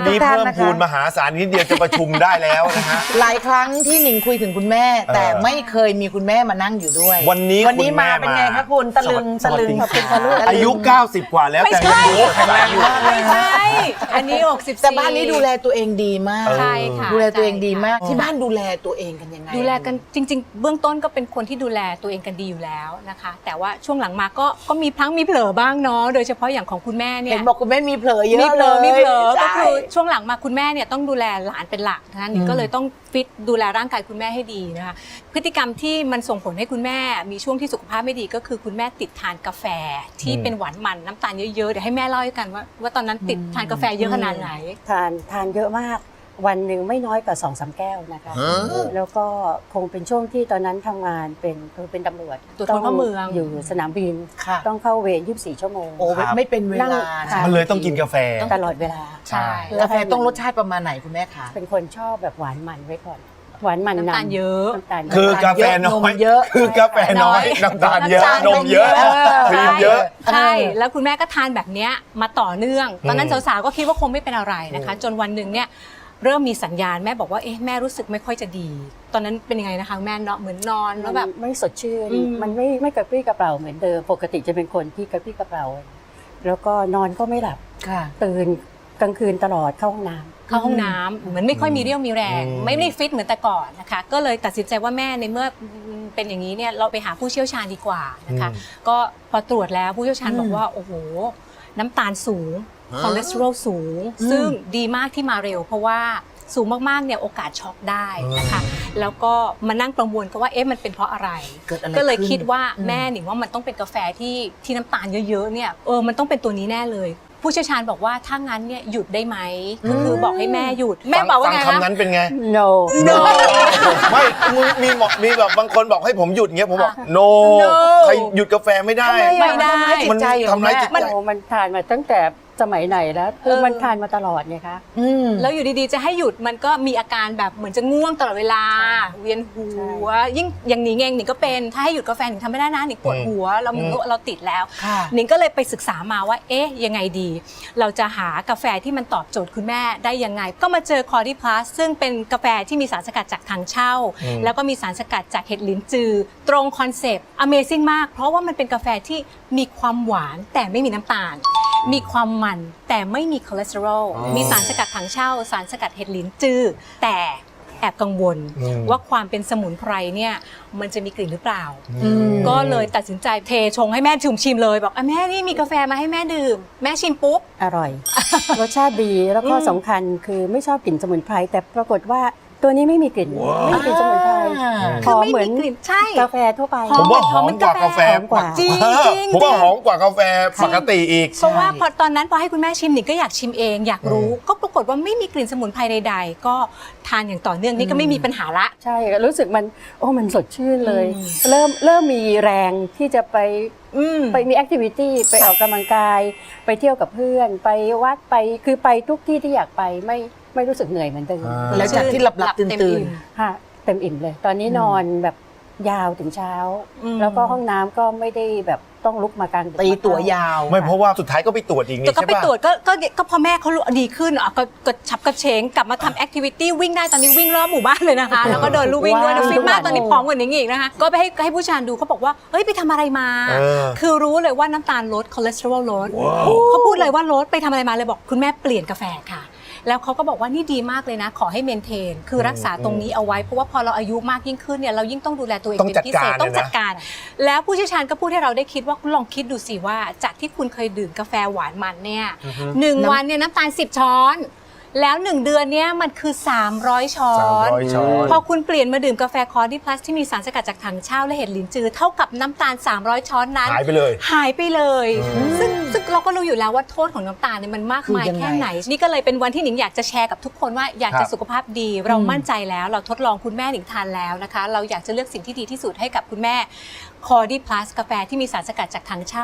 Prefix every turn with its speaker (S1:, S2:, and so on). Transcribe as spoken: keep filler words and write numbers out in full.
S1: นี้เพิ่มพูนมหาศาลนิดเดียวจะประชุมได้แล้วนะฮะ
S2: หลายครั้งที่หนิงคุยถึงคุณแม่แต่ไม่เคยมีคุณแม่มานั่งอยู่ด้วย
S1: วันนี้
S2: วันนี้มาเป็นไงคะคุณตะลึงตะลึง
S1: อายุเก้าสิบกว่าแล้วแต่ยังดูแข็งแรงอยู่
S3: ไม่ใช่อันนี้หกสิบ
S2: แต่บ้านนี้ดูแลตัวเองดีมาก
S3: ใช่ค่ะ
S2: ดูแลตัวเองดีมากที่บ้านดูแลตัวเองกันยังไง
S3: ดูแลกันจริงๆเบื้องต้นก็เป็นคนที่ดูแลตัวเองกันดีอยู่แล้วนะคะแต่ว่าช่วงหลังมาก็ก็มีพลั้งมีเผลอบ้างเนาะโดยเฉพาะอย่างของคุณแม่เนี่ย
S2: เห็นบอกคุณแม่มีเผลอเยอะ
S3: มีเผลอมีเผลอก็คือ
S2: ใ
S3: ช่วงหลังมาคุณแม่เนี่ยต้องดูแลหลานเป็นหลักนะคะนี่ก็เลยต้องฟิตดูแลร่างกายคุณแม่ให้ดีนะคะพฤติกรรมที่มันส่งผลให้คุณแม่มีช่วงที่สุขภาพไม่ดีก็คือคุณแม่ติดทานกาแฟที่เป็นหวานมันน้ำตาลเยอะๆเดี๋ยวให้แม่เล่าให้กันว่าว่าตอนนั้นติดทานกาแฟเยอะขนาดไหน
S4: ทานทานเยอะมากวันหนึ่งไม่น้อยกว่าสองสามแก้วนะคะแล้วก็คงเป็นช่วงที่ตอนนั้นทำงานเป็นคือเป็นตำรวจ
S3: ตรวจคนเข้าเมือง
S4: อยู่สนามบินต้องเข้าเวรยี่สิบสี่ชั่วโมง
S2: โอ้ไม่เป็นเวลา
S1: มันเลยต้องกินกาแฟ
S4: ตลอดเวลา
S3: ใช่
S2: กาแฟต้องรสชาติประมาณไหนคุณแม่คะ
S4: เป็นคนชอบแบบหวานมันไว้ก่อนหวานมัน
S3: น้ำตาลเยอะ
S1: คือกาแฟน้อยเยอะคือกาแฟน้อยน้ำตาลเยอะนมเยอะครีมเยอะ
S3: ใช่แล้วคุณแม่ก็ทานแบบนี้มาต่อเนื่องตอนนั้นสาวๆก็คิดว่าคงไม่เป็นอะไรนะคะจนวันหนึ่งเนี่ยเริ่มมีสัญญาณแม่บอกว่าเอ๊ะแม่รู้สึกไม่ค่อยจะดีตอนนั้นเป็นยังไงนะคะแม่เนาะเหมือนนอนแล้วแบบ
S4: ไม่สดชื่นมันไม่ไม่กระปรี้กระเปร่าเหมือนเดิมปกติจะเป็นคนที่กระปรี้กระเปร่าแล้วก็นอนก็ไม่หลับตื่นกลางคืนตลอดเข้าห้องน้ำ
S3: เข้าห้องน้ำเหมือนไม่ค่อยมีเรี่ยวมีแรงไม่ได้ฟิตเหมือนแต่ก่อนนะคะก็เลยตัดสินใจว่าแม่ในเมื่อเป็นอย่างนี้เนี่ยเราไปหาผู้เชี่ยวชาญดีกว่านะคะก็พอตรวจแล้วผู้เชี่ยวชาญบอกว่าโอ้โหน้ำตาลสูงคอเลสเตอรอลสูงซึ่งดีมากที่มาเร็วเพราะว่าสูงมากๆเนี่ยโอกาสช็อกได้นะคะแล้วก็มานั่งประมวลกันว่าเอ๊ะมันเป็นเพราะอะไรก็เลยคิดว่าแม่หนิงว่ามันต้องเป็นกาแฟที่ที่น้ำตาลเยอะๆเนี่ยเออมันต้องเป็นตัวนี้แน่เลยผู้เชี่ยวชาญบอกว่าถ้างั้นเนี่ยหยุดได้ไหมก็คือบอกให้แม่หยุดแม่บอกว่าไง
S1: คำนั้นเป็นไง
S4: no
S1: no ไม่มีมีแบบบางคนบอกให้ผมหยุดเงี้ยผมบอก no ใครหยุดกาแฟไม่ได้
S3: ไม่ได้
S1: มันทำร้ายจิตใจ
S4: มันทานมาตั้งแต่สมัยไหนแล้วคือมันทานมาตลอดไงคะ
S3: แล้วอยู่ดีๆจะให้หยุดมันก็มีอาการแบบเหมือนจะง่วงตลอดเวลาเวียนหัวยิ่งอย่างนี้เองหนิงก็เป็นถ้าให้หยุดกาแฟหนิงทำไม่ได้นะหนิงปวดหัวเราเราติดแล้วหนิงก็เลยไปศึกษามาว่าเอ๊ะยังไงดีเราจะหากาแฟที่มันตอบโจทย์คุณแม่ได้ยังไงก็มาเจอ Cordy Plus ซึ่งเป็นกาแฟที่มีสารสกัดจากถังเช่าแล้วก็มีสารสกัดจากเห็ดลิ้นจือตรงคอนเซปต์ Amazing มากเพราะว่ามันเป็นกาแฟที่มีความหวานแต่ไม่มีน้ำตาลมีความมันแต่ไม่มีคอเลสเตอรอลมีสารสกัดถังเช่าสารสกัดเห็ดลิ้นจือแต่แอบกังวลว่าความเป็นสมุนไพรเนี่ยมันจะมีกลิ่นหรือเปล่าก็เลยตัดสินใจเทชงให้แม่ชิมชิมเลยบอกแม่นี่มีกาแฟมาให้แม่ดื่มแม่ชิมปุ๊บ
S4: อร่อยรสชาติดีแล้วก็สำคัญคือไม่ชอบกลิ่นสมุนไพรแต่ปรากฏว่าตัวนี้ไม่มีกลิ่นไม่มีกลิ่นสมุนไพรหอมเหมือนกาแฟทั่วไป
S1: ผมว่าหอมกว่ากาแฟ
S3: จริงจริง
S1: ผมว่าหอมกว่ากาแฟปกติอีก
S3: เพราะว่าพอตอนนั้นพอให้คุณแม่ชิมหนิงก็อยากชิมเองอยากรู้ก็ปรากฏว่าไม่มีกลิ่นสมุนไพรใดๆก็ทานอย่างต่อเนื่องนี่ก็ไม่มีปัญหาละ
S4: ใช่รู้สึกมันโอ้มันสดชื่นเลยเริ่มเริ่มมีแรงที่จะไปไปมีแอคทิวิตี้ไปออกกำลังกายไปเที่ยวกับเพื่อนไปวัดไปคือไปทุกที่ที่อยากไปไม่ไม่รู้สึกเหนื่อยเหมือนเดิม
S2: แล้วจากที่หลับหลับตื่นตื่น
S4: ค่ะเต็มอิ่มเลยตอนนี้นอนแบบยาวถึงเช้าแล้วก็ห้องน้ำก็ไม่ได้แบบต้องลุกมากลาง
S2: ตีตัวยาว
S1: ไม่เพราะว่าสุดท้ายก็ไปตรวจอีกนี่ใช่ปะ
S3: ก็ไปตรวจก็ก็ก็พอแม่เขาดีขึ้นอ่ะก็กระชับกระเฉงกลับมาทำแอคทิวิตี้วิ่งได้ตอนนี้วิ่งรอบหมู่บ้านเลยนะคะแล้วก็เดินลู่วิ่งด้วยฟิตมากตอนนี้ผอมกว่านี้อีกนะคะก็ไปให้ให้ผู้ชายดูเขาบอกว่าเฮ้ยไปทำอะไรมาคือรู้เลยว่าน้ำตาลลดคอเลสเตอรอลลดเขาพูดเลยว่าลดไปทำอะไรมาเลยบอกคุณแม่เปลี่ยนกาแฟค่ะแล้วเขาก็บอกว่านี่ดีมากเลยนะขอให้เมนเทนคือรักษาตรงนี้เอาไว้เพราะว่าพอเราอายุมากยิ่งขึ้นเนี่ยเรายิ่งต้องดูแลตัวเองเป็นพิเศษต้องจัดการแล้วผู้เชี่ยวชาญก็พูดให้เราได้คิดว่าลองคิดดูสิว่าจากที่คุณเคยดื่มกาแฟหวานมันเนี่ยหนึ่งวันเนี่ยน้ำตาลสิบช้อนแล้วหนึ่งเดือนนี้มันคือสามร้อยช้อนพอคุณเปลี่ยนมาดื่มกาแฟคอร์ดี้พลัสที่มีสารสกัดจากถังเช่าและเห็ดลิ้นจือเท่ากับน้ำตาลสามร้อยช้อนนั้น
S1: หายไปเลย
S3: หายไปเลยซึ่งซึ่งเราก็รู้อยู่แล้วว่าโทษของน้ำตาลเนี่ยมันมากมายแค่ไหนนี่ก็เลยเป็นวันที่หนิงอยากจะแชร์กับทุกคนว่าอยากจะสุขภาพดีเรามั่นใจแล้วเราทดลองคุณแม่หนิงทานแล้วนะคะเราอยากจะเลือกสิ่งที่ดีที่สุดให้กับคุณแม่คอร์ดี้พลัสกาแฟที่มีสารสกัดจากถังเช่า